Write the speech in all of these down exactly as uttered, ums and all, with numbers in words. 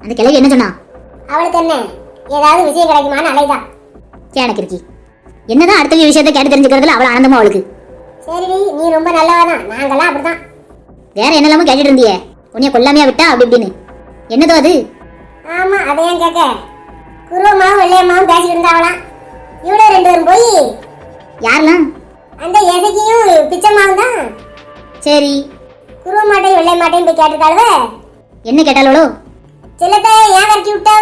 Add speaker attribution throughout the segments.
Speaker 1: அந்த கிழவி என்ன சொன்னா?
Speaker 2: அவளுக்கு என்ன ஏதாவது விஷயம் கிடைக்குமான்னு அலைதான்.
Speaker 1: எனக்கு இருக்கி என்னதான் அடுத்த விஷயத்தை கேட்டு தெரிஞ்சுக்கிறதுல அவள் ஆனந்தமா அவளுக்கு.
Speaker 2: சரி நீ ரொம்ப நல்லவதான், நாங்கெல்லாம் அப்படிதான்.
Speaker 1: வேற என்னெல்லாமோ கேட்டுட்டு இருந்தியே, உன்னைய கொல்லாமையா விட்டா அப்படி இப்படின்னு. என்னதோ அது?
Speaker 2: ஆமா அதையும் கேட்க குருவமாவும் வெள்ளையம்மாவும் பேசிட்டு இருந்தாவலாம். இவ்வளவு ரெண்டு பேரும் போய்
Speaker 1: யாரெல்லாம்?
Speaker 2: அந்த எசைக்கியும் பிச்சம்மாவும் தான்.
Speaker 1: சரி
Speaker 2: குருவமாட்டையும் வெள்ளையம்மாட்டையும் போய் கேட்டுட்டாளுவ.
Speaker 1: என்ன கேட்டாளோ?
Speaker 2: செல்லத்தை ஏன் கட்டி விட்டாவ?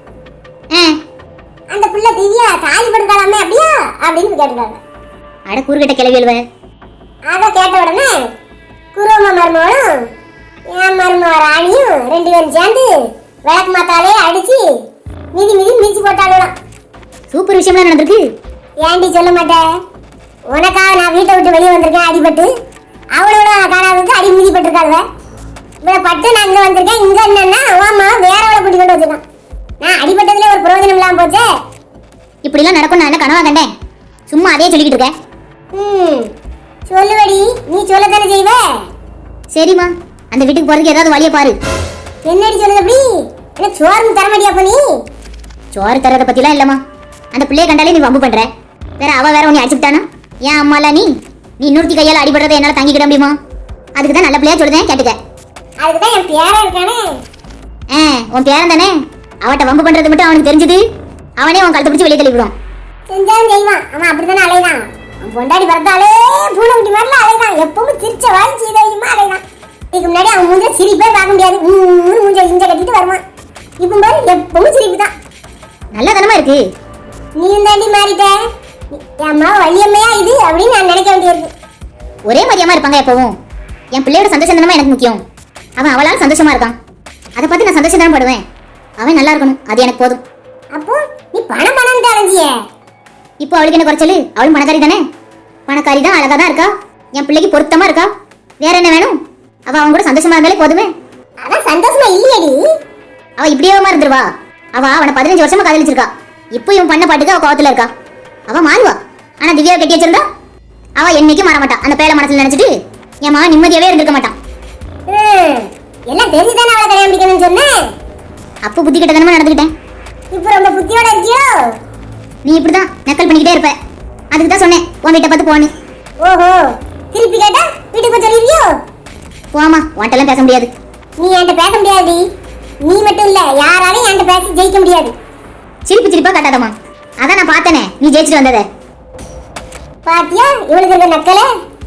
Speaker 2: அந்த பிள்ளை திவ்யா தாலி படுத்தாலாமே அப்படியா அப்படின்னு கேட்டுட்டாங்க.
Speaker 1: அட கூறுகிட்ட கிளவி எழுவ.
Speaker 2: அதை கேட்ட உடனே குருவம்மா மருமகளும் என் மருமக ராணியும் ரெண்டு பேரும் சேர்ந்து விளக்கு மாத்தாலே அடிச்சு மிதி மிதி மிதிச்சு போட்டாளுலாம்.
Speaker 1: சூப்பர் விஷயம்லாம் நடந்திருக்கு.
Speaker 2: ஏன்டி சொல்ல மாட்டேன்? உனக்காக நான் வீட்டை விட்டு வெளியே வந்திருக்கேன் அடிபட்டு, அவளோட காணாததுக்கு அடி மிதி பட்டிருக்காளுவ. இவ்வளோ பட்டு நான் இங்கே வந்திருக்கேன். இங்கே என்னன்னா ஓமா வேற அவளை கூட்டி கொண்டு வச்சிருக்கான். நான் அடிபட்டதுல ஒரு பிரயோஜனம் இல்லாம போச்சே.
Speaker 1: இப்படிலாம் நடக்கும் நான் என்ன கனவா கண்டேன்? சும்மா அதே சொல்லிக்கிட்டு இருக்கேன்.
Speaker 2: ம் சொல்லுவடி, நீ சொல்லத்தானே செய்வ.
Speaker 1: சரிம்மா, அந்த வீட்டுக்கு போறதுக்கு ஏதாவது வழியை பாரு.
Speaker 2: என்னடி சொல்லுது அப்படி? என்ன சோறு தர மாட்டியா? அப்ப நீ
Speaker 1: சோறு தரதை பத்திலாம் இல்லம்மா. அந்த பிள்ளைய கண்டாலே நீ வம்பு பண்ற. வேற அவ வேற உன்னை அடிச்சுட்டானா? ஏன் அம்மால நீ நீ இன்னொருத்தி கையால் அடிபடுறதை என்னால தாங்கிக்கிட முடியுமா? அதுக்கு தான் நல்ல பிள்ளையா சொல்லுதேன், கேட்டுக்க.
Speaker 2: அதுக்கு தான் என் பேரா இருக்கானே.
Speaker 1: ஆ உன் பேரன் தானே. அவட்ட வம்பு பண்றது மட்டும் அவனுக்கு தெரிஞ்சது, அவனே உன் கழுத்தை பிடிச்சி வெளியே தள்ளிவிடும்.
Speaker 2: செஞ்சாலும் செய்வான். அவன் அப்படித்தானே அலைதான். அவன் பொண்டாடி பிறந்தாலே பூனை குட்டி மாதிரில அலைதான். எப்பவும் சிரிச்ச வாழை சீதையுமா அலைதான். இதுக்கு முன்னாடி அவன் மூஞ்ச சிரிப்பே பார்க்க முடியாது. மூணு மூஞ்ச இஞ்ச கட்டிட்டு வருவான். இப்போ பாரு எப்பவும் சிரிப்பு தான்.
Speaker 1: நல்ல தனமா இருக்கு.
Speaker 2: நீ தாண்டி மாறிட்ட. அம்மா வள்ளியம்மையா இது அப்படின்னு நான் நினைக்க வேண்டியிருக்கு.
Speaker 1: ஒரே மாதிரியாம இருப்பாங்க எப்பவும். என் பிள்ளையோட சந்தோஷம் தானமா எனக்கு முக்கியம். அவன் அவளால் சந்தோஷமா இருக்கான், அதை பார்த்து நான் சந்தோஷம் தான் படுவேன். அவன் நல்லா இருக்கணும், அது எனக்கு போதும்.
Speaker 2: அப்போ நீ பணம் பணம் அலைஞ்சிய.
Speaker 1: இப்போ அவளுக்கு என்ன குறைச்சலு? அவளும் பணக்காரி தானே. பணக்காரி தான், அழகா தான் இருக்கா, என் பிள்ளைக்கு பொருத்தமா இருக்கா. வேற என்ன வேணும்? அவ அவன் கூட சந்தோஷமா இருந்தாலே போதுமே.
Speaker 2: அதான் சந்தோஷமா இல்லையடி.
Speaker 1: அவ இப்படியே இருந்துருவா. அவ அவனை பதினஞ்சு வருஷமா காதலிச்சிருக்கா. இப்போ இவன் பண்ண பாட்டுக்கு அவ கோவத்துல இருக்கா. அவ மாறுவா. ஆனா திவ்யாவை கட்டி வச்சிருந்தா அவ என்னைக்கும் மாற மாட்டான். அந்த பேர மனசுல நினைச்சிட்டு என் மகன் நிம்மதியாவே இருந்திருக்க மாட்டான்.
Speaker 2: எல்லாம் தெரிஞ்சுதானே அவளை கல்யாணம் பண்ணிக்கணும்னு சொன்னேன்.
Speaker 1: அப்போ புத்தி கிட்ட நடந்துக்கிட்டேன்.
Speaker 2: இப்போ ரொம்ப புத்தியோட இருக்கியோ?
Speaker 1: நீ இப்படிதான் நக்கல் பண்ணிக்கிட்டே இருப்ப. அதுக்கு தான் சொன்னேன் உன் வீட்டை பார்த்து போன்னு.
Speaker 2: ஓஹோ, திருப்பி கேட்டா வீட்டுக்கு சொல்லிருவியோ?
Speaker 1: போமா, உன்ட்டெல்லாம் பேச முடியாது.
Speaker 2: நீ என்கிட்ட பேச முடியாது. நீ மட்டும் இல்ல, யாராலையும் என்கிட்ட பேசி ஜெயிக்க முடியாது.
Speaker 1: சிரிப்பு சிரிப்பா காட்டாதம்மா. அதான் நான் பார்த்தனே நீ ஜெயிச்சுட்டு வந்தத.
Speaker 2: பாத்தியா இவளுக்கு இருக்க நக்கல?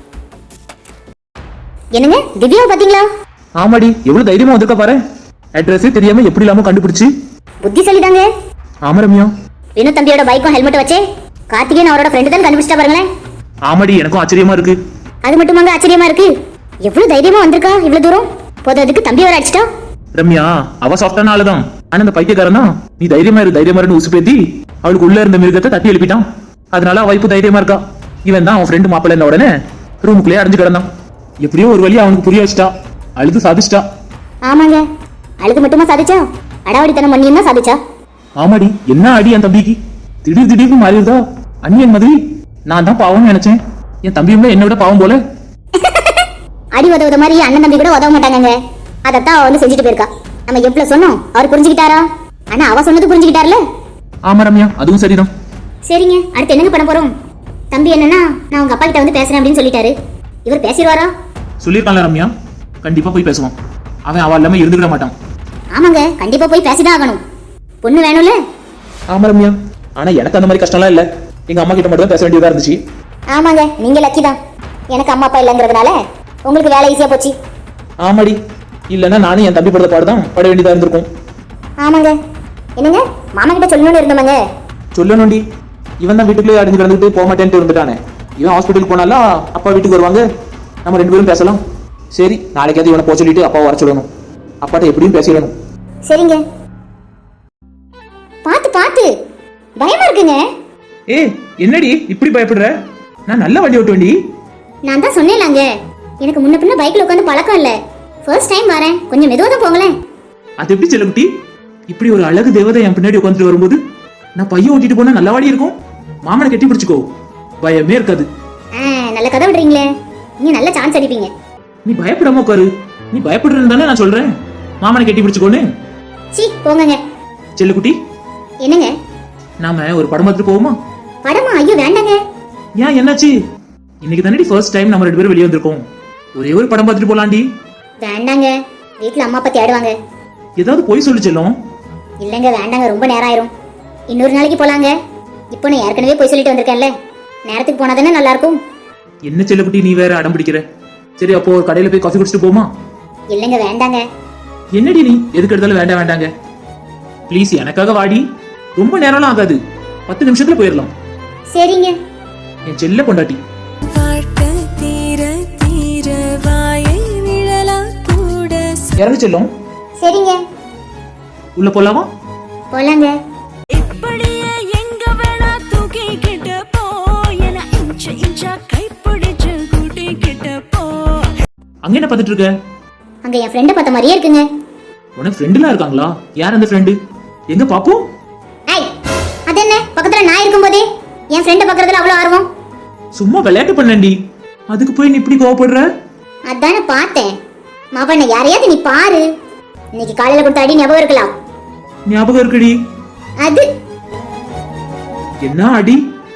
Speaker 1: என்னங்க திவ்யாவை பாத்தீங்களா?
Speaker 3: ஆமாடி, எவ்வளவு தைரியமா வந்திருக்க பாரு. அட்ரஸே தெரியாம எப்படி இல்லாம கண்டுபிடிச்சு.
Speaker 1: புத்திசாலி தாங்க.
Speaker 3: ஆமா ரம்யா.
Speaker 1: வினு தம்பியோட பைக்கும் ஹெல்மெட் வச்சே கார்த்திகேயன் அவரோட ஃப்ரெண்டு தான் கண்டுபிடிச்சா பாருங்களேன்.
Speaker 3: ஆமாடி, எனக்கும் ஆச்சரியமா இருக்கு.
Speaker 1: அது மட்டுமாங்க ஆச்சரியமா இருக்கு. எவ்வளவு தைரியமா வந்திருக்கா இவ்வளவு தூரம். போததுக்கு தம்பி வர அடிச்சிட்டா.
Speaker 3: ரம்யா அவ சாஃப்டான ஆளுதான். ஆனா அந்த பைத்தியக்காரன் தான் நீ தைரியமா இரு தைரியமா இருந்து உசுப்பேத்தி அவளுக்கு உள்ள இருந்த மிருகத்தை தட்டி எழுப்பிட்டான். அதனால அவ இப்போ தைரியமா இருக்கா. இவன் தான் அவன் ஃப்ரெண்டு மாப்பிள்ள இருந்த உடனே ரூமுக்குள்ளேயே அடைஞ்சு கிடந்தான். எப்படியோ ஒரு வழியா அவனுக்கு புரிய வச்சிட்டா. அழுது சாதிச்சிட்டா.
Speaker 1: ஆமாங்க, அழுது மட்டுமா சாதிச்சா? அடாவடித்தனம் பண்ணியும் தான் சாதிச்சா.
Speaker 3: ஆமாடி, என்ன அடி என் தம்பிக்கு. திடீர் திடீர்னு மாறிடுதா அண்ணியன் மாதிரி. நான் தான் பாவம்னு நினைச்சேன். என் தம்பியும் என்ன விட பாவம் போல.
Speaker 1: அடி உதவுத மாதிரி அண்ணன் தம்பி கூட உதவ மாட்டாங்க. அதத்தான் அவ வந்து செஞ்சுட்டு போயிருக்கா. நம்ம எவ்வளவு சொன்னோம் அவர் புரிஞ்சுக்கிட்டாரா? ஆனா அவ சொன்னது புரிஞ்சுக்கிட்டார்ல.
Speaker 3: ஆமா ரம்யா, அதுவும் சரிதான்.
Speaker 1: சரிங்க, அடுத்து என்னங்க பண்ண போறோம்? தம்பி என்னன்னா நான் உங்க அப்பா கிட்ட வந்து பேசுறேன் அப்படின்னு சொல்லிட்டாரு. இவர் பேசிடுவாரா?
Speaker 3: சொல்லிருக்கான்ல ரம்யா, கண்டிப்பா போய் பேசுவான். அவன் அவ இல்லாம இருந்துக்கிட மாட்டான்.
Speaker 1: ஆமாங்க, கண்டிப்பா போய் பேசிதான் ஆகணும். பொண்ணு வேணும்ல.
Speaker 3: ஆமா ரம்யா, ஆனா எனக்கு அந்த மாதிரி கஷ்டம்லாம் இல்ல. எங்க அம்மா கிட்ட மட்டும் தான் பேச வேண்டியதா இருந்துச்சு.
Speaker 1: ஆமாங்க, நீங்க லக்கி தான். எனக்கு அம்மா அப்பா இல்லங்கிறதுனால உங்களுக்கு வேலை ஈஸியா போச்சு.
Speaker 3: ஆமாடி, இல்லன்னா நானும் என் தம்பி படுத்த பாடுதான் பட வேண்டியதா இருந்திருக்கும்.
Speaker 1: ஆமாங்க. என்னங்க மாமா கிட்ட சொல்லணும்னு இருந்தோமாங்க.
Speaker 3: சொல்லணும்டி, இவன் தான் வீட்டுக்குள்ளே அடைஞ்சு கிடந்துட்டு போக மாட்டேன்ட்டு இருந்துட்டானே. இவன் ஹாஸ்பிட்டலுக்கு போனாலும் அப்பா வீட்டுக்கு வருவாங்க, நம்ம ரெண்டு பேரும் பேசலாம். சரி, நாளைக்காவது இவனை போக சொல்லிட்டு அப்பா வர சொல்லணும். அப்பாட்ட எப்படியும் பேசிடணும்.
Speaker 1: சரிங்க. பாத்து பாத்து, பயமா இருக்குங்க.
Speaker 3: ஏ என்னடி இப்படி பயப்படுற? நான் நல்ல வண்டி ஓட்டுவேன்டி.
Speaker 1: நான் தான் சொன்னேன்லாங்க, எனக்கு முன்ன பின்ன பைக்ல உட்காந்து பழக்கம் இல்ல. ஃபர்ஸ்ட் டைம் வரேன், கொஞ்சம் மெதுவா தான் போங்களேன்.
Speaker 3: அது எப்படி செல்லக்குட்டி? இப்படி ஒரு அழகு தேவதை என் பின்னாடி உட்காந்துட்டு வரும்போது நான் பையன் ஓட்டிட்டு போனா நல்லவாடி இருக்கும். மாமனை கட்டி பிடிச்சுக்கோ, பயமே இருக்காது.
Speaker 1: நல்ல கதை விடுறீங்களே, நீங்க நல்ல சான்ஸ் அடிப்பீங்க.
Speaker 3: நீ பயப்படாம உட்காரு. நீ பயப்படுறது தானே நான் சொல்றேன் மாமனை கட்டி பிடிச்சுக்கோன்னு.
Speaker 1: சீ போங்கங்க.
Speaker 3: செல்லுக்குட்டி,
Speaker 1: என்னங்க?
Speaker 3: நாம ஒரு படம் பார்த்துட்டு போவோமா?
Speaker 1: படமா? ஐயோ வேண்டாங்க.
Speaker 3: ஏன், என்னாச்சு? இன்னைக்கு தானடி ஃபர்ஸ்ட் டைம் நம்ம ரெண்டு பேரும் வெளியே வந்திருக்கோம். ஒரே ஒரு படம் பார்த்துட்டு போலாண்டி.
Speaker 1: வேண்டாங்க, வீட்ல அம்மா அப்பா தேடுவாங்க.
Speaker 3: ஏதாவது போய் சொல்லு செல்லும்.
Speaker 1: இல்லங்க வேண்டாங்க, ரொம்ப நேரம் ஆயிரும். இன்னொரு நாளைக்கு போலாங்க. இப்போ நான் ஏற்கனவே போய் சொல்லிட்டு வந்திருக்கேன்ல, நேரத்துக்கு போனா தானே நல்லா இருக்கும்.
Speaker 3: என்ன செல்லுக்குட்டி, நீ வேற அடம் பிடிக்கிற. சரி, அப்போ ஒரு கடையில போய் காஃபி குடிச்சிட்டு போமா?
Speaker 1: இல்லங்க வேண்டாங்க.
Speaker 3: என்னடி நீ எதுக்கு எடுத்தாலும் வேண்டாம் வேண்டாங்க. ப்ளீஸ் எனக்காக வாடி. ரொம்ப நேரம்லாம் ஆகாது, பத்து நிமிஷத்துல போயிடலாம்.
Speaker 1: சரிங்க.
Speaker 3: என் செல்ல பொண்டாட்டி. இறங்கு செல்லும்.
Speaker 1: சரிங்க.
Speaker 3: உள்ள போலாமா?
Speaker 1: போலாங்க.
Speaker 3: அங்க என்ன பார்த்துட்டு இருக்க?
Speaker 1: அங்க என் ஃப்ரெண்ட பார்த்த மாதிரியே இருக்குங்க.
Speaker 3: உனக்கு ஃப்ரெண்டுலாம் இருக்காங்களா? யார் அந்த ஃப்ரெண்டு? எங்க பாப்போம்?
Speaker 1: ஐய், அது என்ன பக்கத்துல நான் இருக்கும்போதே என் ஃப்ரெண்ட பார்க்கறதுல அவ்வளவு ஆர்வம்?
Speaker 3: சும்மா விளையாட்டு பண்ணேன்டி, அதுக்கு போய் நீ இப்படி கோவப்படுற?
Speaker 1: அதானே பார்த்தேன். மாவண்ண யாரையாவது நீ பாரு. இன்னைக்கு காலையில கொடுத்த அடி ஞாபகம் இருக்கலாம்.
Speaker 3: ஞாபகம் இருக்குடி.
Speaker 1: அது
Speaker 3: என்ன அடி?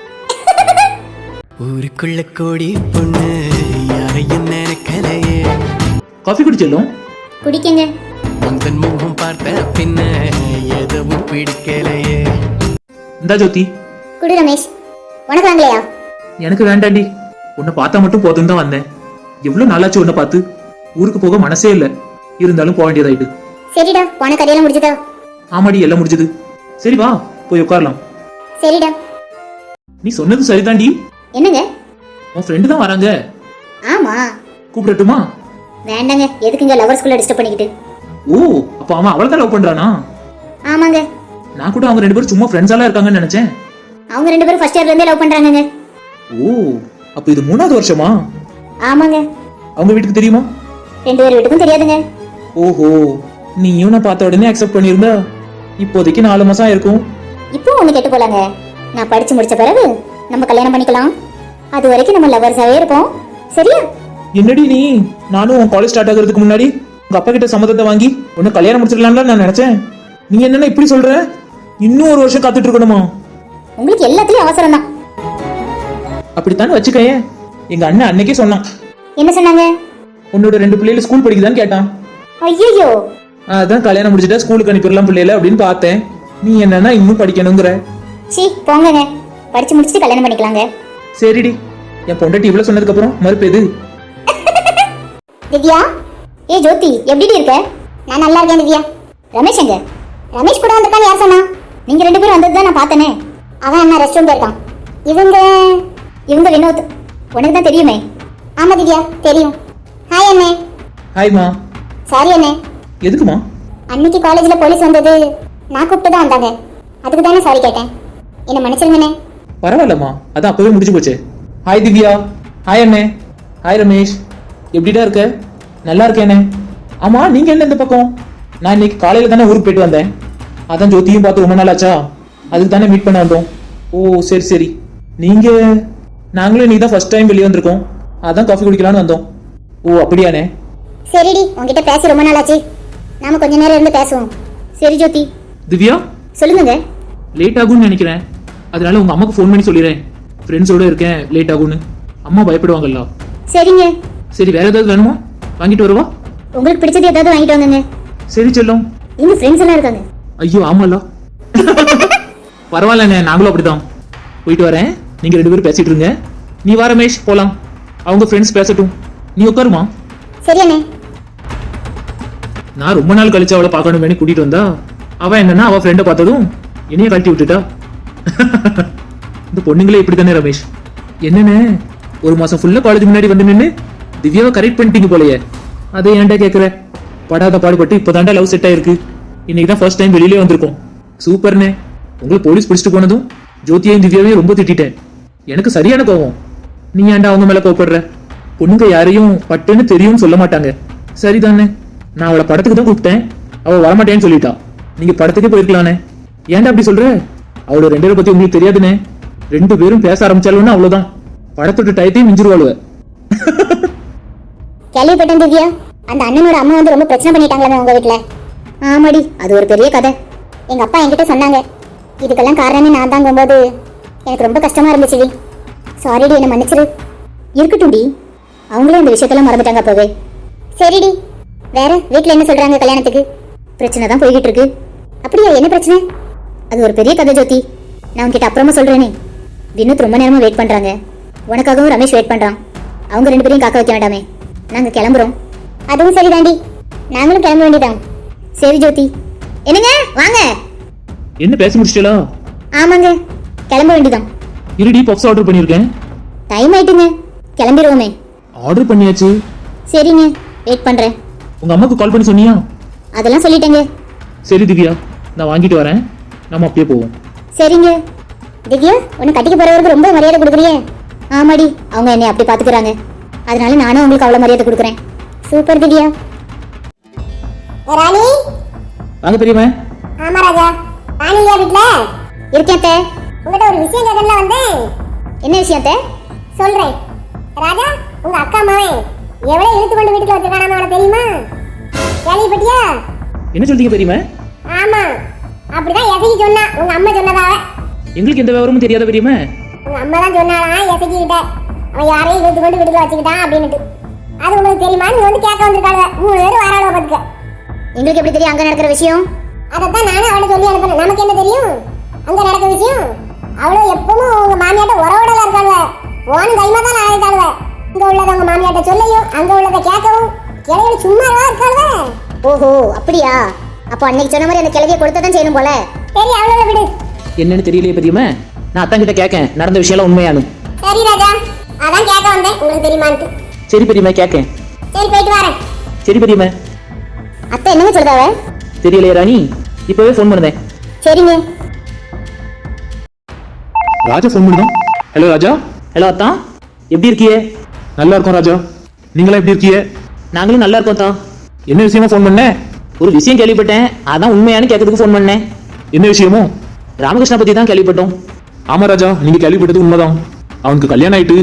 Speaker 4: ஊருக்குள்ள கோடி பொண்ணு யாரையும் நினைக்கலையே.
Speaker 3: காஃபி குடிச்சலும்.
Speaker 1: குடிக்கங்க.
Speaker 4: முந்தன் முகம் பார்த்த பின்ன எதுவும் பிடிக்கலையே.
Speaker 3: இந்தா ஜோதி.
Speaker 1: குடு ரமேஷ். உனக்கு வாங்கலையா?
Speaker 3: எனக்கு வேண்டாண்டி, உன்னை பார்த்தா மட்டும் போதும் தான் வந்தேன். எவ்வளவு நாளாச்சு உன்னை பார்த்து. ஊருக்கு போக மனசே இல்ல, இருந்தாலும் போக வேண்டியதாயிட்டு.
Speaker 1: சரிடா, போன கதையெல்லாம் முடிஞ்சதா?
Speaker 3: ஆமாடி, எல்லாம் முடிஞ்சது. சரி வா, போய் உட்காரலாம்.
Speaker 1: சரிடா.
Speaker 3: நீ சொன்னது சரிதாண்டி.
Speaker 1: என்னங்க?
Speaker 3: உன் ஃப்ரெண்டு தான் வராங்க.
Speaker 1: ஆமா.
Speaker 3: கூப்பிடட்டுமா?
Speaker 1: வேண்டாங்க, எதுக்குங்க லவர்ஸ்குள்ள டிஸ்டர்ப் பண்ணிக்கிட்டு.
Speaker 3: ஓ, அப்ப அவன் அவளை தான் லவ் பண்றானா?
Speaker 1: ஆமாங்க.
Speaker 3: நான் கூட அவங்க ரெண்டு பேரும் சும்மா ஃப்ரெண்ட்ஸாலாம் இருக்காங்கன்னு நினைச்சேன்.
Speaker 1: அவங்க ரெண்டு பேரும் ஃபர்ஸ்ட் இயர்ல இருந்தே லவ் பண்றாங்கங்க.
Speaker 3: ஓ, அப்ப இது மூணாவது வருஷமா?
Speaker 1: ஆமாங்க.
Speaker 3: அவங்க வீட்டுக்கு தெரியுமா?
Speaker 1: ரெண்டு பேர் வீட்டுக்கும் தெரியாதுங்க.
Speaker 3: ஓஹோ, நீயும் நான் பார்த்த உடனே அக்செப்ட் பண்ணிருந்தா இப்போதைக்கு நாலு மாசம் ஆயிருக்கும்.
Speaker 1: இப்போ ஒண்ணு கேட்டு போலாங்க. நான் படிச்சு முடிச்ச பிறகு நம்ம கல்யாணம் பண்ணிக்கலாம். அது வரைக்கும் நம்ம லவர்ஸாவே இருப்போம். சரியா?
Speaker 3: என்னடி நீ, நானும் உன் காலேஜ் ஸ்டார்ட் ஆகிறதுக்கு முன்னாடி உங்க அப்பா கிட்ட சம்மதத்தை வாங்கி உன்னை கல்யாணம் முடிச்சிடலாம்னு நான் நினைச்சேன். நீ என்னன்னா இப்படி சொல்ற? இன்னும் ஒரு வருஷம் காத்துட்டு இருக்கணுமா?
Speaker 1: உங்களுக்கு எல்லாத்துலயும் அவசரம் தான்.
Speaker 3: அப்படித்தானே வச்சுக்கேன். எங்க அண்ணன் அன்னைக்கே சொன்னான்.
Speaker 1: என்ன சொன்னாங்க?
Speaker 3: உன்னோட ரெண்டு பிள்ளைகள் ஸ்கூல் படிக்குதான்னு கேட்டான்.
Speaker 1: ஐயோ,
Speaker 3: அதான் கல்யாணம் முடிச்சுட்டா ஸ்கூலுக்கு அனுப்பிடலாம் பிள்ளைல அப்படின்னு பார்த்தேன். நீ என்னன்னா இன்னும் படிக்கணுங்கிற.
Speaker 1: சீ போங்கங்க, படிச்சு முடிச்சுட்டு கல்யாணம் பண்ணிக்கலாங்க.
Speaker 3: சரிடி, என் பொண்டாட்டி இவ்வளவு சொன்னதுக்கு அப்புறம் மறுப்பு எது?
Speaker 1: திவ்யா, ஏ ஜோதி, எப்படி இருக்க? நான் நல்லா இருக்கேன் திவ்யா. ரமேஷ் எங்க? ரமேஷ் கூட வந்திருக்கான்னு யார் சொன்னா? நீங்க ரெண்டு பேரும் வந்தது தான் நான் பார்த்தேனே. அவன் என்ன ரெஸ்ட் ரூம் போயிருக்கான். இவங்க இவங்க வினோத், உனக்கு தான் தெரியுமே. ஆமா திவ்யா தெரியும். ஹாய் அண்ணே.
Speaker 3: ஹாய்மா.
Speaker 1: சாரி அண்ணே.
Speaker 3: எதுக்குமா?
Speaker 1: அன்னைக்கு காலேஜ்ல போலீஸ் வந்தது நான் கூப்பிட்டு தான் வந்தாங்க. அதுக்கு தானே சாரி கேட்டேன். என்ன மன்னிச்சிருங்கண்ணே.
Speaker 3: பரவாயில்லம்மா, அதான் அப்பவே முடிஞ்சு போச்சு. ஹாய் திவ்யா. ஹாய் அண்ணே. ஹாய் ரமேஷ். எப்படிடா இருக்க? நல்லா இருக்கேனே. ஆமா, நீங்க என்ன இந்த பக்கம்? நான் இன்னைக்கு காலையில தானே ஊருக்கு போயிட்டு வந்தேன். அதான் ஜோதியும் பார்த்து ரொம்ப நாள் ஆச்சா, அதுக்கு தானே மீட் பண்ண வந்தோம். ஓ சரி சரி. நீங்க? நாங்களும் நீ தான் ஃபர்ஸ்ட் டைம் வெளியே வந்திருக்கோம், அதான் காஃபி குடிக்கலான்னு வந்தோம். ஓ அப்படியானே.
Speaker 1: சரிடி, உங்ககிட்ட பேசி ரொம்ப நாள் ஆச்சு, நாம கொஞ்ச நேரம் இருந்து பேசுவோம். சரி ஜோதி.
Speaker 3: திவ்யா,
Speaker 1: சொல்லுங்க.
Speaker 3: லேட் ஆகும்னு நினைக்கிறேன், அதனால உங்க அம்மாக்கு ஃபோன் பண்ணி சொல்லிடுறேன். ஃப்ரெண்ட்ஸோட இருக்கேன், லேட் ஆகும்னு. அம்மா பயப்படுவாங்கல்ல.
Speaker 1: சரிங்க.
Speaker 3: சரி, வேற ஏதாவது வேணுமா? வாங்கிட்டு வருவா.
Speaker 1: உங்களுக்கு பிடிச்சது ஏதாவது வாங்கிட்டு வாங்குங்க.
Speaker 3: சரி செல்லும்.
Speaker 1: இன்னும் ஃப்ரெண்ட்ஸ் எல்லாம் இருக்காங்க.
Speaker 3: ஐயோ ஆமால. பரவாயில்லண்ணே, நாங்களும் அப்படிதான். போயிட்டு வரேன், நீங்க ரெண்டு பேரும் பேசிட்டு இருங்க. நீ வா ரமேஷ், போலாம். அவங்க ஃப்ரெண்ட்ஸ் பேசட்டும், நீ உட்காருமா.
Speaker 1: சரி அண்ணே.
Speaker 3: நான் ரொம்ப நாள் கழிச்சு அவளை பார்க்கணுமே கூட்டிட்டு வந்தா, அவ என்னன்னா அவ ஃப்ரெண்டை பார்த்ததும் என்னைய கழட்டி விட்டுட்டா. இந்த பொண்ணுங்களே இப்படி தானே ரமேஷ். என்னன்னு ஒரு மாசம் ஃபுல்லா காலேஜ் முன்னாடி வந்து நின்று திவ்யாவை கரெக்ட் பண்ணிட்டீங்க போலயே. அதை ஏன்டா கேட்குற? படாத பாடுபட்டு இப்போதாண்டா லவ் செட் ஆயிருக்கு. இன்னைக்கு தான் ஃபர்ஸ்ட் டைம் வெளியிலே வந்திருக்கோம். சூப்பர்னே. உங்களை போலீஸ் பிடிச்சிட்டு போனதும் ஜோதியையும் திவ்யாவையும் ரொம்ப திட்டேன். எனக்கு சரியான கோவம். நீ ஏன்டா அவங்க மேல கோவப்படுற? பொண்ணுங்க யாரையும் பட்டுன்னு தெரியும்னு சொல்ல மாட்டாங்க. சரிதானே, நான் அவளை படத்துக்கு தான் கூப்பிட்டேன், அவ வரமாட்டேன்னு சொல்லிட்டா. நீங்க படத்துக்கே போயிருக்கலானே, ஏன்டா அப்படி சொல்ற? அவளோட ரெண்டு பேரை பத்தி உங்களுக்கு தெரியாதுனே. ரெண்டு பேரும் பேச ஆரம்பிச்சாலும் அவ்வளவுதான், படத்தோட டயத்தையும் மிஞ்சிருவாளுவ.
Speaker 1: கேள்விப்பட்டேன் திவ்யா, அந்த அண்ணனோட அம்மா வந்து ரொம்ப பிரச்சனை பண்ணிட்டாங்களே உங்க வீட்டுல. ஆமாடி, அது ஒரு பெரிய கதை. எங்க அப்பா என்கிட்ட சொன்னாங்க. இதுக்கெல்லாம் காரணமே நான் தாங்கும்போது எனக்கு ரொம்ப கஷ்டமா இருந்துச்சுடி. சாரிடி, என்ன மன்னிச்சிரு. இருக்கட்டும்டி, அவங்களே இந்த விஷயத்தெல்லாம் மறந்துட்டாங்க அப்பவே. சரிடி, வேற வீட்டில் என்ன சொல்றாங்க கல்யாணத்துக்கு? பிரச்சனை தான் போய்கிட்டு இருக்கு. அப்படியா, என்ன பிரச்சனை? அது ஒரு பெரிய கதை ஜோதி, நான் உன்கிட்ட அப்புறமா சொல்றேனே. வினோத் ரொம்ப நேரமா வெயிட் பண்றாங்க. உனக்காகவும் ரமேஷ் வெயிட் பண்றான். அவங்க ரெண்டு பேரையும் காக்க வைக்க வேண்டாமே. நாங்க கிளம்புறோம். அதுவும் சரிதாண்டி, நாங்களும் கிளம்ப வேண்டியதான். சரி ஜோதி. என்னங்க, வாங்க.
Speaker 3: என்ன பேச முடிச்சிட்டா?
Speaker 1: ஆமாங்க, கிளம்ப வேண்டியதான்.
Speaker 3: இருடி, பப்ஸ் ஆர்டர் பண்ணியிருக்கேன்.
Speaker 1: டைம் ஆயிட்டுங்க, கிளம்பிடுவோமே.
Speaker 3: ஆர்டர் பண்ணியாச்சு.
Speaker 1: சரிங்க, வெயிட் பண்றேன்.
Speaker 3: உங்க அம்மாக்கு கால் பண்ணி சொன்னியா?
Speaker 1: அதெல்லாம் சொல்லிட்டேங்க.
Speaker 3: சரி திவ்யா, நான் வாங்கிட்டு வரேன், நம்ம அப்படியே போவோம்.
Speaker 1: சரிங்க. திவ்யா, உன்னை கட்டிக்க போறவருக்கு ரொம்ப மரியாதை கொடுக்குறியே. ஆமாடி, அவங்க என்னை அப்படி பாத்துக்கிறாங்க, அதனால நானும் உங்களுக்கு அவ்வளவு மரியாதை கொடுக்குறேன். சூப்பர் திவ்யா.
Speaker 2: ராணி.
Speaker 3: வாங்க பெரியம்மா.
Speaker 2: ஆமா ராஜா. ராணி இல்லையா வீட்டுல?
Speaker 1: இருக்கேன் அத்தை.
Speaker 2: உங்ககிட்ட ஒரு விஷயம் கேட்கல வந்தேன்.
Speaker 1: என்ன விஷயம் அத்தை?
Speaker 2: சொல்றேன். ராஜா, உங்க அக்கா மகன் எவ்வளவு இழுத்து கொண்டு வீட்டுல வச்சிருக்கானாம உனக்கு தெரியுமா? கேள்விப்பட்டியா?
Speaker 3: என்ன சொல்றீங்க பெரியம்மா?
Speaker 2: ஆமா, அப்படிதான் எசகி சொன்னா. உங்க அம்மா சொன்னதா?
Speaker 3: எங்களுக்கு எந்த விவரமும் தெரியாத பெரியம்மா.
Speaker 2: உங்க அம்மா தான் சொன்னாலாம் எசகி கிட்ட, அவன் யாரையும் இழுத்து கொண்டு வீட்டுல வச்சுக்கிட்டான் அப்படின்னுட்டு. அது உங்களுக்கு தெரியுமா? நீ வந்து கேட்க வந்திருக்காங்க. மூணு பேரும் வாராளோ பாத்துக்க.
Speaker 1: எங்களுக்கு எப்படி தெரியும் அங்க நடக்கிற விஷயம்?
Speaker 2: அதைத்தான் நானும் அவளை சொல்லி அனுப்புறேன். நமக்கு என்ன தெரியும் அங்க நடக்கிற விஷயம்? அவளும் எப்பவும் உங்க மாமியாட்ட உறவோடல இருக்காங்க. போன் கைமா தான் ஆயிட்டாளுவ. இங்க உள்ளத உங்க மாமியாட்ட சொல்லையும் அங்க உள்ளத கேட்கவும் கிளையில சும்மாவா இருக்காளுவ.
Speaker 1: ஓஹோ, அப்படியா? அப்போ அன்னைக்கு சொன்ன மாதிரி அந்த கிழவியை கொடுத்ததான் செய்யணும் போல.
Speaker 2: சரி, அவளோட விடு.
Speaker 3: என்னன்னு தெரியலையே பெரியம்மா. நான் அத்தான் கிட்ட கேட்கேன், நடந்த விஷயம் உண்மையானு.
Speaker 2: சரி ராஜா, அதான் கேட்க வந்தேன், உங்களுக்கு தெரியுமான்ட்டு.
Speaker 3: சரி பெரியம்மா, கேட்கேன்.
Speaker 2: சரி, போயிட்டு வரேன்.
Speaker 3: சரி பெரியம்மா.
Speaker 1: அத்தை என்னங்க சொல்றாவ?
Speaker 3: தெரியலையே ராணி, இப்பவே ஃபோன் பண்ணுதேன்.
Speaker 1: சரிங்க.
Speaker 3: ராஜா ஃபோன் பண்ணுதான். ஹலோ ராஜா. ஹலோ அத்தா, எப்படி இருக்கியே? நல்லா இருக்கோம் ராஜா, நீங்களா எப்படி இருக்கீங்க? நாங்களும் நல்லா இருக்கோம் தான். என்ன விஷயமா ஃபோன் பண்ண? ஒரு விஷயம் கேள்விப்பட்டேன், அதான் உண்மையானு கேட்கறதுக்கு ஃபோன் பண்ணேன். என்ன விஷயமோ? ராமகிருஷ்ணா பத்தி தான் கேள்விப்பட்டோம். ஆமா ராஜா, நீங்க கேள்விப்பட்டது உண்மைதான். அவனுக்கு கல்யாணம் ஆயிட்டு.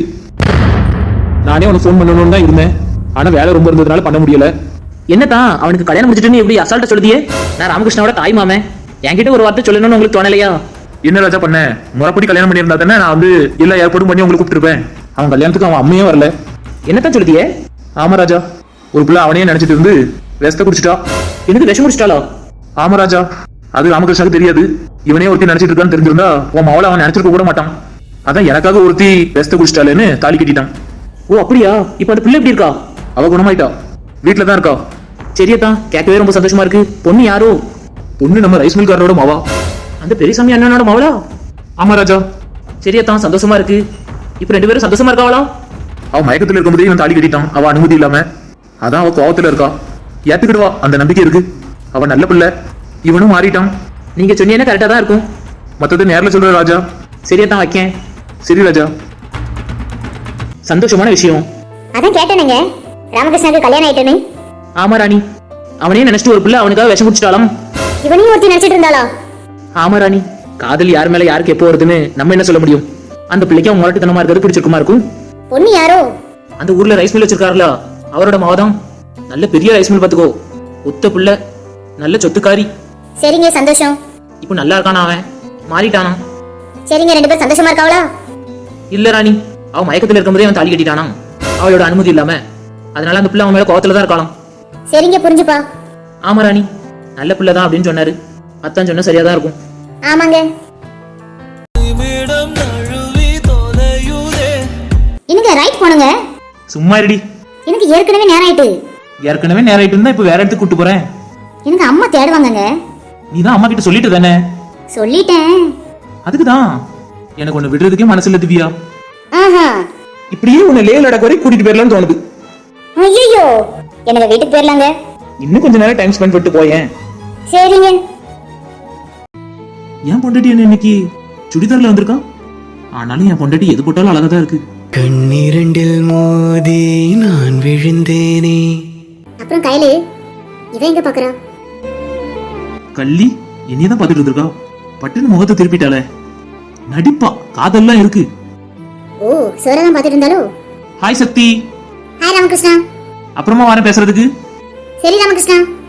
Speaker 3: நானே அவனுக்கு ஃபோன் பண்ணணும்னு தான் இருந்தேன், ஆனா வேலை ரொம்ப இருந்ததுனால பண்ண முடியல. என்னதான் அவனுக்கு கல்யாணம் முடிச்சிட்டுன்னு எப்படி அசால்ட்டா சொல்லுதியே? நான் ராமகிருஷ்ணாவோட தாய் மாமன், என்கிட்ட ஒரு வார்த்தை சொல்லணும்னு உங்களுக்கு தோணலையா? என்ன ராஜா பண்ண? முறைப்படி கல்யாணம் பண்ணியிருந்தா தானே நான் வந்து எல்லா ஏற்பாடும் பண்ணி உங்களுக்கு கூப்பிட்டுருப்பேன். அவன் கல்யாணத்துக்கு அவன் அம்மையே வரல. என்னத்தான் சொல்லுதியே? ஆமா ராஜா, ஒரு பிள்ளை அவனையே நினைச்சிட்டு இருந்து விஷத்தை குடிச்சிட்டா. எனக்கு விஷம் குடிச்சிட்டாளா? ஆமா ராஜா, அது ராமகிருஷ்ணாவுக்கு தெரியாது. இவனே ஒருத்தி நினைச்சிட்டு இருக்கான்னு தெரிஞ்சிருந்தா உன் மவளை அவன் நினைச்சிருக்க கூட மாட்டான். அதான் எனக்காக ஒருத்தி விஷத்தை குடிச்சிட்டாளேன்னு தாலி கட்டிட்டான். ஓ அப்படியா? இப்ப அந்த பிள்ளை எப்படி இருக்கா? அவ குணமாயிட்டா, வீட்டுல தான் இருக்கா. சரியத்தான், கேட்கவே ரொம்ப சந்தோஷமா இருக்கு. பொண்ணு யாரோ? பொண்ணு நம்ம ரைஸ் மில்காரரோட மாவா, அந்த பெரியசாமி அண்ணனோட மாவளா? ஆமா ராஜா. சரியத்தான், சந்தோஷமா இருக்கு. இப்ப ரெண்டு பேரும் சந்தோஷமா இருக்காவளா? அவ மயக்கத்துல இருக்கும்போதே இவன் தாலி கட்டிட்டான், அவ அனுமதி இல்லாம. அதான் அவ கோவத்துல இருக்கா. ஏத்துக்கிடுவா, அந்த நம்பிக்கை இருக்கு. அவ நல்ல பிள்ளை, இவனும் மாறிட்டான். நீங்க சொன்னீங்கன்னா கரெக்டா தான் இருக்கும். மத்தது நேர்ல சொல்ற ராஜா. சரியத்தான், வைக்கேன். சரி ராஜா. சந்தோஷமான விஷயம்.
Speaker 1: அதான் கேட்டேனுங்க, ராமகிருஷ்ணாவுக்கு கல்யாணம் ஆயிட்டேன்னு.
Speaker 3: ஆமா ராணி, அவனே நினைச்சிட்டு ஒரு பிள்ளை அவனுக்காக விஷம் குடிச்சிட்டாலும்.
Speaker 1: இவனையும் ஒருத்தி நினைச்சிட்டு இருந்தாளா?
Speaker 3: ஆமா ராணி, காதல் யார் மேல யாருக்கு எப்போ வருதுன்னு நம்ம என்ன சொல்ல முடியும்? அந்த பிள்ளைக்கு அவன் முரட்டுத்தனமா இருக்கிறது பிடிச்சிருக்குமா இருக்கும்.
Speaker 1: பொண்ணு யாரோ?
Speaker 3: அந்த ஊர்ல ரைஸ் மில் வச்சிருக்காருல, அவரோட மாவதான். நல்ல பெரிய ரைஸ் மில் பாத்துக்கோ, ஒத்த பிள்ளை, நல்ல சொத்துக்காரி.
Speaker 1: சரிங்க, சந்தோஷம்.
Speaker 3: இப்போ நல்லா இருக்கானா? அவன் மாறிட்டானா?
Speaker 1: சரிங்க, ரெண்டு பேரும் சந்தோஷமா இருக்காவளா?
Speaker 3: இல்ல ராணி, அவன் மயக்கத்துல இருக்கும்போதே அவன் தாலி கட்டிட்டானா, அவளோட அனுமதி இல்லாம. அதனால அந்த பிள்ளை அவன் மேல கோவத்துல தான் இருக்கலாம்.
Speaker 1: சரிங்க, புரிஞ்சுப்பா.
Speaker 3: ஆமா ராணி, நல்ல பிள்ளை தான் அப்படின்னு சொன்னாரு. அத்தான் சொன்னா சரியாதான் இருக்கும்.
Speaker 1: ஆமாங்க. இன்னைக்கு ரைட் போனுங்க.
Speaker 3: சும்மா இருடி,
Speaker 1: எனக்கு ஏற்கனவே நேரம் ஆயிட்டு.
Speaker 3: ஏற்கனவே நேரம் ஆயிட்டு இருந்தா இப்ப வேற இடத்துக்கு கூட்டு போறேன்.
Speaker 1: எனக்கு அம்மா தேடுவாங்கங்க.
Speaker 3: நீ தான் அம்மா கிட்ட சொல்லிட்டு தானே?
Speaker 1: சொல்லிட்டேன்.
Speaker 3: அதுக்குதான் எனக்கு ஒண்ணு விடுறதுக்கே மனசு இல்ல திவ்யா.
Speaker 1: ஆஹா,
Speaker 3: இப்படியே உன்னை லே லடாக் வரை கூட்டிட்டு போயிடலாம்னு தோணுது.
Speaker 1: ஐயோ, எனக்கு வீட்டுக்கு போயிடலாங்க.
Speaker 3: இன்னும் கொஞ்ச நேரம் டைம் ஸ்பெண்ட் பண்ணிட்டு போயேன்.
Speaker 1: சரிங்க.
Speaker 3: என் பொண்டாட்டி என்ன இன்னைக்கு சுடிதார்ல வந்திருக்கா? ஆனாலும் என் பொண்டாட்டி எது போட்டாலும் அழகா தான் இருக்கு.
Speaker 4: கண்ணீரண்டில் மோதி நான் விழுந்தேனே.
Speaker 1: அப்புறம் கையில இவன் எங்க பாக்குறா?
Speaker 3: கள்ளி என்னையதான் பாத்துட்டு இருக்கா. பட்டுன்னு முகத்தை திருப்பிட்டாளே. நடிப்பா, காதல்லாம் இருக்கு.
Speaker 1: ஓ, சோரதான் பாத்துட்டு இருந்தாலோ.
Speaker 3: ஹாய் சக்தி.
Speaker 1: ஹாய் ராமகிருஷ்ணா.
Speaker 3: அப்புறமா வரேன் பேசுறதுக்கு.
Speaker 1: சரி ராமகிருஷ்ணா.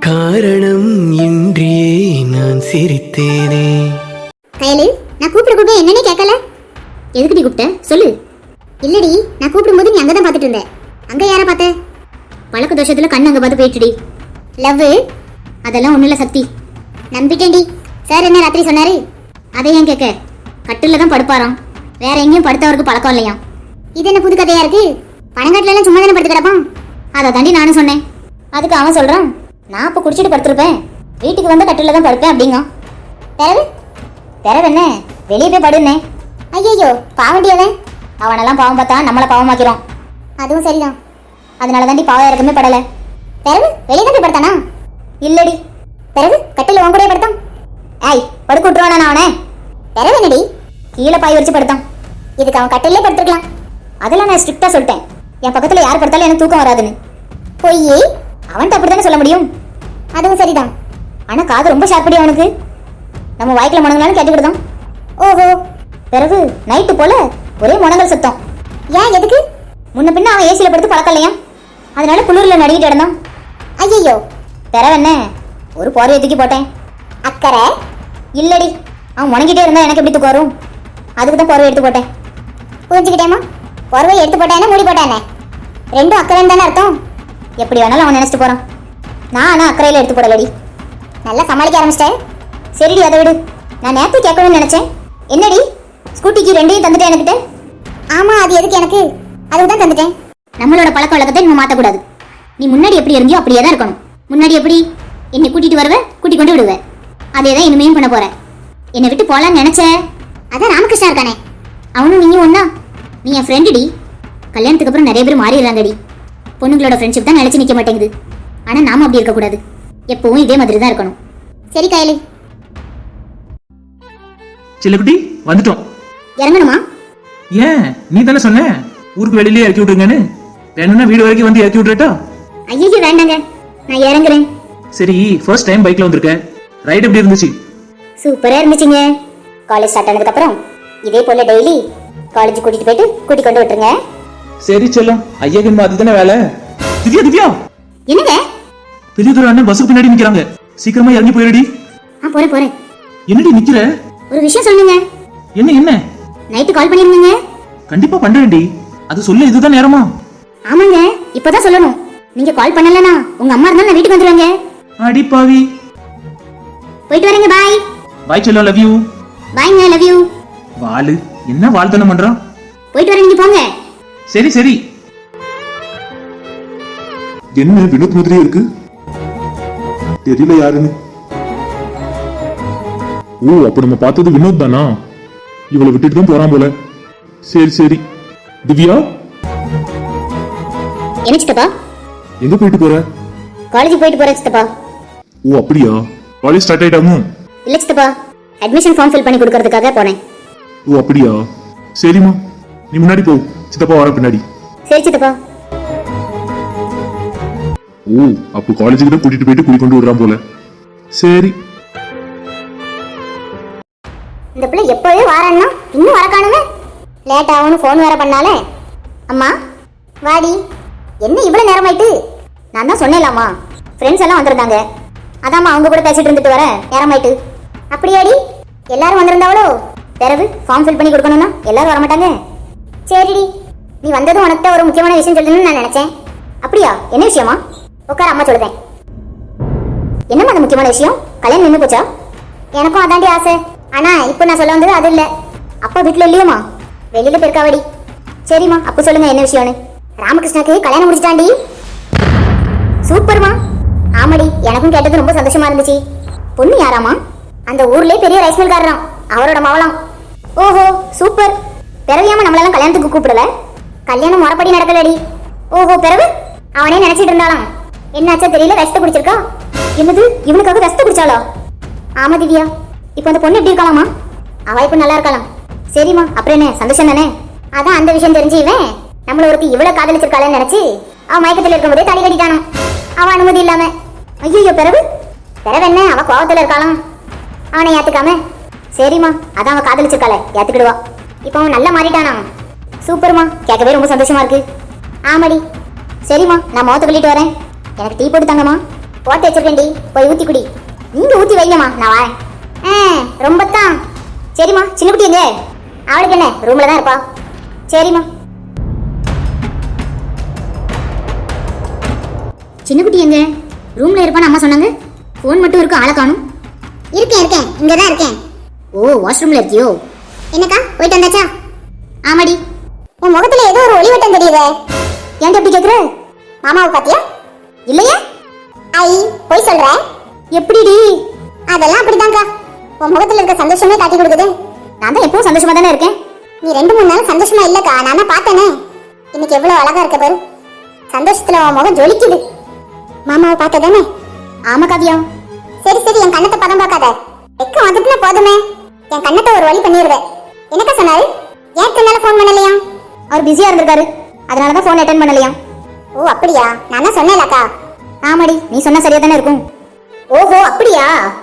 Speaker 4: காரணம் இன்றியே நான் சிரித்தேனே.
Speaker 1: கையலு, நான் கூப்பிட கூப்பிட என்னன்னே கேட்கல. எதுக்குடி கூப்பிட்ட சொல்லு. இல்லடி, நான் கூப்பிடும்போது நீ அங்கதான் பார்த்துட்டு இருந்த. அங்க யாரை பார்த்த? பழக்க தோஷத்துல கண்ணு அங்க பார்த்து போயிட்டுடி. லவ் அதெல்லாம் ஒண்ணும் இல்ல சக்தி. நம்பிட்டேன்டி. சார் என்ன ராத்திரி சொன்னாரு? அதை ஏன் கேட்க? கட்டில தான் படுப்பாராம், வேற எங்கேயும் படுத்தவருக்கு பழக்கம் இல்லையா. இது என்ன புது கதையா இருக்கு? பணங்காட்டுல எல்லாம் சும்மா தானே படுத்து கிடப்பான். அதை தாண்டி நானும் சொன்னேன். அதுக்கு அவன் சொல்றான், நான் இப்ப குடிச்சிட்டு படுத்திருப்பேன், வீட்டுக்கு வந்து கட்டில தான் படுப்பேன் அப்படிங்க. பிறகு பிறகு என்ன, வெளியே போய் படுனே. ஐயோ பாவண்டியவன், அவனெல்லாம் பாவம் பார்த்தா நம்மளை பாவமாக்கிறோம். அதுவும் சரிதான், அதனால தாண்டி பாவம் இறக்கமே படல. பிறகு வெளியே தான் போய் படுத்தானா? இல்லடி. பிறகு கட்டில உன் கூட படுத்தான். ஏய் படுக்க விட்டுருவானா நான் அவனை? பிறகு என்னடி, கீழே பாய் வச்சு படுத்தான். இதுக்கு அவன் கட்டிலே படுத்துருக்கலாம். அதெல்லாம் நான் ஸ்ட்ரிக்டா சொல்லிட்டேன், என் பக்கத்துல யார் படுத்தாலும் எனக்கு தூக்கம் வராதுன்னு. பொய்யே, அவன்கிட்ட அப்படித்தானே சொல்ல முடியும். அதுவும் சரிதான், ஆனா காது ரொம்ப ஷார்ப்படி அவனுக்கு. நம்ம வாய்க்குல முனங்களாலும் கேட்டுக்கிட்டுதான். ஓஹோ. பிறகு நைட்டு போல ஒரே முனங்கல் சத்தம். ஏன் எதுக்கு? முன்ன பின்ன அவன் ஏசியில படுத்து பழக்கம் இல்லையா, அதனால குளிர்ல நடிக்கிட்டு இருந்தான். ஐயோ. பிறகு என்ன, ஒரு போர்வையை தூக்கி போட்டேன். அக்கறை இல்லடி, அவன் முணங்கிட்டே இருந்தா எனக்கு எப்படி தூக்கம் வரும், அதுக்கு தான் போர்வை எடுத்து போட்டேன். புரிஞ்சுக்கிட்டேமா? போர்வை எடுத்து போட்டேன்னா மூடி போட்டேனே, ரெண்டும் அக்கறை தானே அர்த்தம். எப்படி வேணாலும் அவன் நினைச்சிட்டு போறான். நான் ஆனா அக்கறையில எடுத்து போடலடி. நல்லா சமாளிக்க ஆரம்பிச்சிட்டேன். சரிடி அதை விடு. நான் நேரத்தை கேட்கணும்னு நினைச்சேன். என்னடி, ஸ்கூட்டிக்கு ரெண்டையும் தந்துட்டேன் எனக்கிட்ட? ஆமா, அது எதுக்கு எனக்கு? அதுக்கு தான் தந்துட்டேன். நம்மளோட பழக்க வழக்கத்தை நம்ம மாற்றக்கூடாது. நீ முன்னாடி எப்படி இருந்தியோ அப்படியே தான் இருக்கணும். முன்னாடி எப்படி என்னை கூட்டிட்டு வருவேன், கூட்டி கொண்டு விடுவேன், அதே தான் இனிமேயும் பண்ண போறேன். என்னை விட்டு போலான்னு நினைச்ச, அதான் ராமகிருஷ்ணா இருக்கானே, அவனும் நீயும் ஒன்னா. நீ என் ஃப்ரெண்டுடி. கல்யாணத்துக்கு அப்புறம் நிறைய பேர் மாறிடுறாங்கடி. பொண்ணுங்களோட ஃப்ரெண்ட்ஷிப் தான் நினைச்சு நிற்க மாட்டேங்குது. ஆனா நாம அப்படி இருக்கக்கூடாது, எப்பவும் இதே மாதிரி தான் இருக்கணும். சரி கையலு.
Speaker 3: செல்லக்குட்டி வந்துட்டோம்.
Speaker 1: இறங்கணுமா?
Speaker 3: ஏன், நீ தானே சொன்ன ஊருக்கு வெளியிலே இறக்கி விட்டுருங்கன்னு. வேணும்னா வீடு வரைக்கும் வந்து இறக்கி விட்டுறட்டா?
Speaker 1: ஐயோ வேண்டாங்க, நான் இறங்குறேன்.
Speaker 3: சரி, ஃபர்ஸ்ட் டைம் பைக்ல வந்திருக்கேன், ரைட் எப்படி இருந்துச்சு?
Speaker 1: சூப்பரா இருந்துச்சுங்க. காலேஜ் ஸ்டார்ட் ஆனதுக்கு அப்புறம் இதே போல டெய்லி காலேஜ் கூட்டிட்டு போயிட்டு கூட்டி கொண்டு விட்டுருங்க.
Speaker 3: சரி செல்லம், ஐயாக்கு அதுதானே வேலை. திவ்யா திவ்யா,
Speaker 1: என்னங்க?
Speaker 3: பெரியதொரு அண்ணன் பஸ்ஸுக்கு பின்னாடி நிக்கிறாங்க, சீக்கிரமா இறங்கி போயிடுடி.
Speaker 1: ஆ போறேன் போறேன்.
Speaker 3: என்னடி நிக்கிற?
Speaker 1: ஒரு விஷயம் சொல்லுங்க.
Speaker 3: என்ன என்ன?
Speaker 1: நைட்டு கால் பண்ணிருந்தீங்க.
Speaker 3: கண்டிப்பா பண்றேன்டி, அது சொல்ல இதுதான் நேரமா?
Speaker 1: ஆமாங்க, இப்பதான் சொல்லணும். நீங்க கால் பண்ணலனா உங்க அம்மா இருந்தாலும் நான் வீட்டுக்கு வந்துருவாங்க.
Speaker 3: அடி பாவி.
Speaker 1: போயிட்டு வரேங்க, பாய்.
Speaker 3: பாய் செல்லம், லவ் யூ.
Speaker 1: பாய்ங்க, லவ் யூ.
Speaker 3: வாளு என்ன வாழ்த்தனம் பண்றான்?
Speaker 1: போயிட்டு வரேன், நீங்க போங்க.
Speaker 3: சரி சரி.
Speaker 5: என்ன வினோத் மாதிரியே இருக்கு, தெரியல யாருன்னு. ஓ, அப்ப நம்ம பார்த்தது வினோத் தானா? இவளை விட்டுட்டு தான் போறான் போல. சரி சரி. திவ்யா,
Speaker 1: என்ன சித்தப்பா?
Speaker 5: எங்க போயிட்டு போற?
Speaker 1: காலேஜ் போயிட்டு போறேன் சித்தப்பா.
Speaker 5: ஓ அப்படியா, காலேஜ் ஸ்டார்ட் ஆயிட்டாமோ?
Speaker 1: இல்ல சித்தப்பா, அட்மிஷன் ஃபார்ம் ஃபில் பண்ணி கொடுக்கறதுக்காக போனேன்.
Speaker 5: ஓ அப்படியா, சரிம்மா, நீ முன்னாடி போ, சித்தப்பா வர பின்னாடி.
Speaker 1: சரி சித்தப்பா.
Speaker 5: ஓ, அப்போ காலேஜுக்கு தான் கூட்டிட்டு போயிட்டு குடி கொண்டு விடுறான் போல. சரி.
Speaker 1: இந்த பிள்ளை எப்பவே வாரான்னா இன்னும் வர காணுமே. லேட் ஆகும்னு ஃபோன் வேற பண்ணாலே. அம்மா வாடி. என்ன இவ்வளவு நேரமாயிட்டு? நான் தான் சொன்னேன்லாமா, ஃப்ரெண்ட்ஸ் எல்லாம் வந்திருந்தாங்க, அதாம்மா அவங்க கூட பேசிட்டு இருந்துட்டு வர நேரமாயிட்டு. அப்படியாடி, எல்லாரும் வந்திருந்தாவளோ? பிறகு ஃபார்ம் ஃபில் பண்ணி கொடுக்கணும்னா எல்லாரும் வரமாட்டாங்க. சரிடி, நீ வந்ததும் உனக்கு ஒரு முக்கியமான விஷயம் சொல்லணும்னு நான் நினைச்சேன். அப்படியா, என்ன விஷயமா? உட்கார, அம்மா சொல்லுதேன். என்னம்மா அந்த முக்கியமான விஷயம்? கல்யாணம் நின்று போச்சா? எனக்கும் அதாண்டி ஆசை, ஆனா இப்போ நான் சொல்ல வந்தது அது இல்ல. அப்பா வீட்டுல இல்லையோமா, வெளியில போயிருக்காவடி. சரிம்மா, அப்ப சொல்லுங்க என்ன விஷயம்னு. ராமகிருஷ்ணாக்கு கல்யாணம் முடிச்சிட்டாண்டி. சூப்பர்மா. ஆமாடி, எனக்கும் கேட்டது ரொம்ப சந்தோஷமா இருந்துச்சு. பொண்ணு யாராமா? அந்த ஊர்லயே பெரிய ரைஸ் மில்காரராம், அவரோட மவளாம். ஓஹோ சூப்பர். பிறவியாம நம்மளெல்லாம் கல்யாணத்துக்கு கூப்பிடல? கல்யாணம் முறைப்படி நடக்கலடி. ஓஹோ, பிறகு அவனே நினைச்சிட்டு இருந்தாலாம். என்னாச்சா தெரியல, விஷத்தை குடிச்சிருக்கா. என்னது, இவனுக்காக விஷத்தை குடிச்சாளா? ஆமா திவ்யா. இப்போ அந்த பொண்ணு எப்படி இருக்காளாமா? அவ இப்ப நல்லா இருக்கலாம். சரிம்மா, அப்புறம் என்ன, சந்தோஷம் தானே? அதான் அந்த விஷயம் தெரிஞ்சு இவன் நம்மள ஒருத்தி இவ்வளவு காதலிச்சிருக்காளன்னு நினைச்சு அவன் மயக்கத்துல இருக்கும்போதே தலை கட்டிட்டானோ, அவன் அனுமதி இல்லாம. ஐயோ, பிறகு பிறகு என்ன, அவ கோவத்துல இருக்காளாம், அவனை ஏத்துக்காம. சரிம்மா, அதான் அவன் காதலிச்சிருக்காள, ஏத்துக்கிடுவா. இப்போ அவன் நல்லா மாறிட்டானா? சூப்பர்மா, கேட்கவே ரொம்ப சந்தோஷமா இருக்கு. ஆமாடி. சரிம்மா, நான் முகத்தை கழிட்டு வரேன், எனக்கு டீ போட்டு தாங்கம்மா. போட்டு வச்சிருக்கேன்டி, போய் ஊத்தி குடி. நீங்க ஊத்தி வைங்கம்மா, நான் வரேன். ஆ, ரொம்ப தான். சரிம்மா. சின்ன குட்டி எங்க? அவளுக்கு என்ன, ரூம்ல தான் இருப்பா. சரிம்மா. சின்ன குட்டி எங்க? ரூம்ல இருப்பான்னு அம்மா சொன்னாங்க. போன் மட்டும் இருக்கு, ஆளை காணும்.
Speaker 2: இருக்கேன் இருக்கேன் இங்க தான் இருக்கேன்.
Speaker 1: ஓ, வாஷ்ரூம்ல இருக்கியோ?
Speaker 2: என்னக்கா போயிட்டு வந்தாச்சா?
Speaker 1: ஆமாடி.
Speaker 2: உன் முகத்துல ஏதோ ஒரு ஒளிவட்டம் தெரியுதே.
Speaker 1: ஏன்டா அப்படி கேக்குற?
Speaker 2: மாமாவை பாத்தியா?
Speaker 1: இல்லையே.
Speaker 2: ஐ போய் சொல்ற.
Speaker 1: எப்படிடி?
Speaker 2: அதெல்லாம் அப்படிதான்க்கா. உன் முகத்துல இருக்க சந்தோஷமே காட்டி கொடுக்குது.
Speaker 1: நான் தான் எப்பவும் சந்தோஷமா தானே இருக்கேன்.
Speaker 2: நீ ரெண்டு மூணு நாள் சந்தோஷமா இல்லக்கா, நான் தான் பார்த்தேனே. இன்னைக்கு எவ்வளவு அழகா இருக்க பாரு. சந்தோஷத்துல உன் முகம் ஜொலிக்குது. மாமாவை பார்த்ததானே?
Speaker 1: ஆமா காவியா.
Speaker 2: சரி சரி, என் கண்ணத்தை பதம் பார்க்காத. வெக்க வந்துட்டுனா போதுமே, என் கண்ணத்தை ஒரு வழி பண்ணிடுவேன். என்னக்கா சொன்னாரு? ஏன் இத்தனை ஃபோன் பண்ணலையா?
Speaker 1: அவர் பிஸியா இருந்திருக்காரு, அதனாலதான் போன் அட்டென்ட் பண்ணலையா.
Speaker 2: ஓ அப்படியா? நான் தான் சொன்னேன்லக்கா.
Speaker 1: ஆமாடி, நீ சொன்னா சரியா தானே இருக்கும். ஓஹோ அப்படியா?